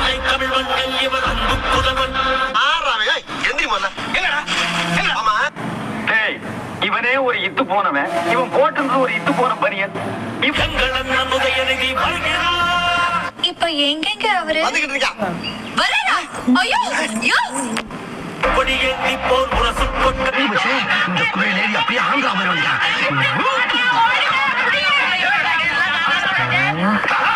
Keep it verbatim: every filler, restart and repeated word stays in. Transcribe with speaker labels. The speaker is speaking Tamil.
Speaker 1: தமிழ் மண்ணில் இவர் அன்பு புதல்வன்.
Speaker 2: இவனே ஒரு இத்து போனவன், இவன் போட்டு ஒரு இத்து போன பனியன்.
Speaker 3: இப்ப எங்கெங்க அவரு வரா? ஐயோ ஐயோ
Speaker 1: கொடியேந்தி போர் முரசு கொட்ட
Speaker 4: இந்த குறையிலேறி அப்படியே ஆந்திரா வருவாங்க.